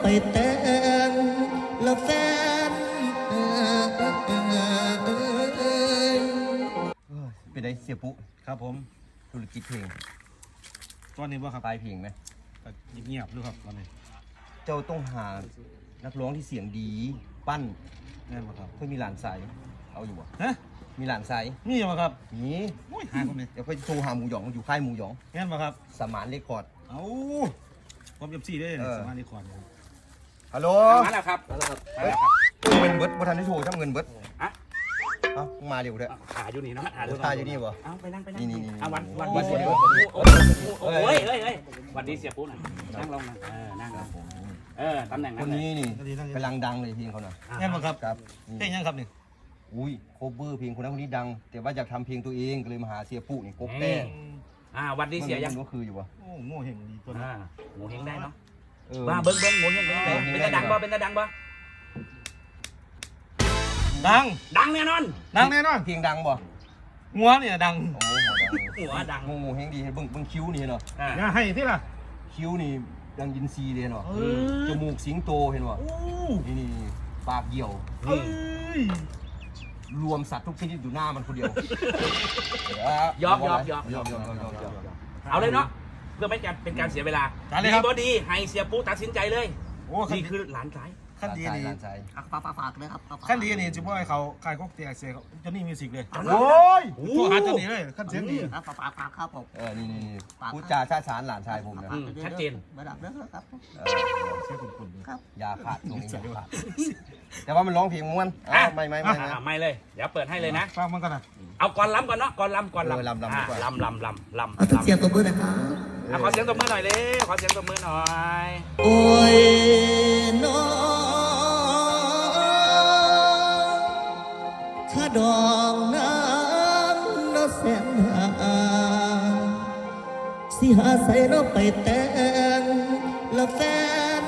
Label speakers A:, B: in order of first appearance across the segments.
A: แต่งแล้วแฟน
B: เป็นไงเสียปุ๊
C: ครับผม
B: ธุรกิจเพลง
C: ตอนนี้ว่าครับ
B: ปลายเพลงไหม
C: เงียบๆด้วยครับตอนนี้
B: เจ้าต้องหานักร้องที่เสียงดีปั้น
C: แน่นป่ะครับ
B: เพื่อมีหลานใสเอาอยู่บ่
C: ฮะ
B: มีหลานใส
C: มีป่ะครับ
B: มี
C: หาคนนี้
B: เดี๋ยวค่อยโทรหาหมูหยองอยู่ค่ายหมูหยอง
C: แน่นป่ะครับ
B: สมานเรคคอร์ด
C: เอ้าผมเอฟซีได้สมาร์ทรีคอร์ด
B: ฮัลโหล
D: มาแล้วครับ
B: เงินเบิร์ดบ่ทันได้โทรทั้งเงินเบิร์ด
D: ฮะ
B: เอ้ามาเร็วเถอะ
D: หาอยู่นี่เนาะ
B: หาอยู่นี่บ่
D: เอาไปนั่ง
B: นี่
D: วันเสียปุ๊โอ้ยวันดีเสียปุ๊หน่อยนั่งลงนะนั่งลงตำแหน่ง
B: คนนี้นี่กำลังดังเลยเพลงเขาน่ะ
C: แน่นป่ะครับ
B: ครับ
C: เพลงยังครับนี่
B: อุ้ยโคเวอร์เพลงคนนั้นคนนี้ดังแต่ว่าอยากทำเพลงตัวเองก็เลยมาหาเสียปุ๊นี่กบแต้
D: วันดีเสียยัง
B: ก็คืออยู่วะ
C: โอ้โง่เห็นดีตัว
D: นี้โง่เฮงได้เนาะว่าเบิ้งโง่เฮงเป็นตาดังบ่เป็นตาดังบ่
C: ดัง
D: แน่นอน
B: เพลงดังบ่
C: งัวเนี่ยดัง
D: หัวดัง
B: งูเฮงดีเบิ่งคิ้วนี่เนาะ
C: ให้ที่ล่ะ
B: คิ้วนี่ดังยินซีเลยเนาะจมูกสิงโตเห็นบ่นี่ปากเหี่ยวรวมสัตว์ทุกชนิดอยู่หน้ามันคนเดียวย
D: อมเอาเลยเนาะเพื่อไม่เป็นการเสียเวลาดีบอดีให้เสียปุ๊ตัดสินใจเลยนี่คือหลานสาย
C: ขั้นดีนี่
A: ฝากเลยครับ
C: ขั้นดีนี่จะบอกให้เขาขายก๊กเตี๋ยเสียจนนี่มิวสิกเลย
B: โอ้ย
C: ตัวหาจนนี่เลยขั้นเสียงดี
A: ฝากครับผม
B: นี่พูดจาชาฉานหลานชายผมนะ
D: ชัดเจน
A: ระดับเรื่องครับ
C: เสียคุณ
A: ครับ
B: ยาขาดตรงนี้ขาดแต่ว่ามันร้องเพลงม้วน
D: ไม่เลยเดี๋ยวเปิดให้เลยนะ
C: ฟังมันก่อนนะ
D: เอาก่อนลำก่อนเนาะก่อนลำ
A: เสียงตบมือนะครับ
D: ขอเสียงตบมือหน่อยเลยขอเสียงตบมือหน่อย
A: โอ้ยน้อถ้าดองน้ำน้อแสนหาสิหาใส่น้อไปแต่งแล้วแฟน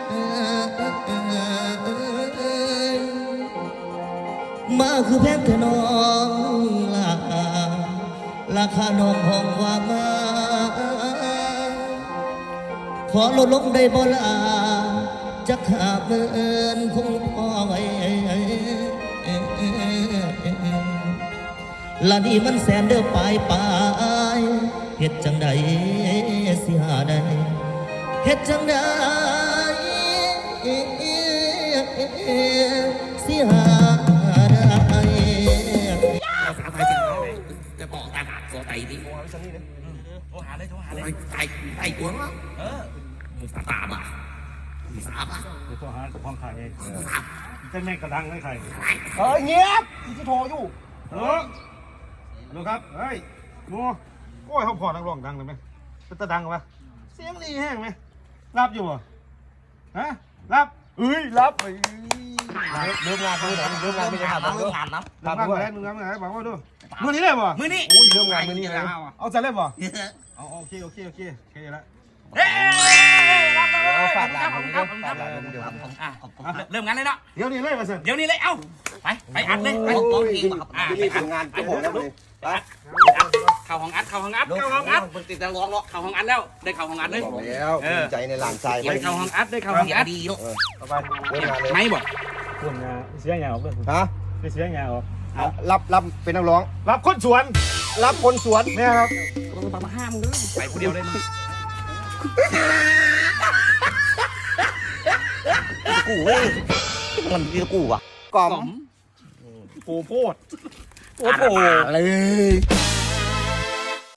A: มาคือแพงแต่น้องล่ะราคาน้องห้องว่ามาขอลดลงได้บ่ล่ะจะขาดเงินคงพอไว้ละนี่มันแสนเด้อปลายเฮ็ดจังใดสิหาได้เฮ็ดจังใดสิหาได้
D: จะบอกตาหาโซไตดิโทรหาเลยไอ้ตัวมึงตาบ่ะมึงตาบ่ะ
C: เดี๋ยวโทรหาห้องขายเองจะไม่กระดังไม่ใคร
B: เงียบที่โทรอยู่
C: ดูครับเฮ้ยงูโอ้ยเขาพอนักร้องดังเลยไหมเป็นตาดังไหมเสียงดีแห้งไหมรับอยู่ฮะรับ
B: รับเริ่มงานไม่ได้ทำเริ่มงานไม่ได้ทำ
A: นะ
C: มึงงานบอกว่าดูมือนี้เลยบ่
D: มือนี้
B: เริ่มงานมือนี้แล้ว
C: เอาใจเลยบ่โอเคแล้ว
B: ฝากหลานผมด้วย
D: เริ่มงานเลยเนาะ
C: เดี๋ยวนี้เลยมาสิ
D: เดี๋ยวนี้เลยเอ้าไปอัดเลยไป
B: รีบทำงานจะบอกแล้วเลย
D: ไปเข้าห้องอัดติดตะลองเข้าห้องอัดแล้วได้เข้าห้องอัดเลย
B: แล้วใจในหลานชาย
D: ได้เข้าห้องอัดดีเนาะ
C: ไป
B: เริ่มงานเลย
D: ไม่บ่
C: เริ่มงานเสียงานออกเลย
B: ฮะ
C: เสียงานออก
B: รับเป็นนักร้อง
C: รับคนสวนเนี่ยครับ
D: มาห้ามมึงไปคนเดียวเลยมึง
B: กูเว้ยมันมีกูอ่ะกล่อม
C: โปโพด
B: เลย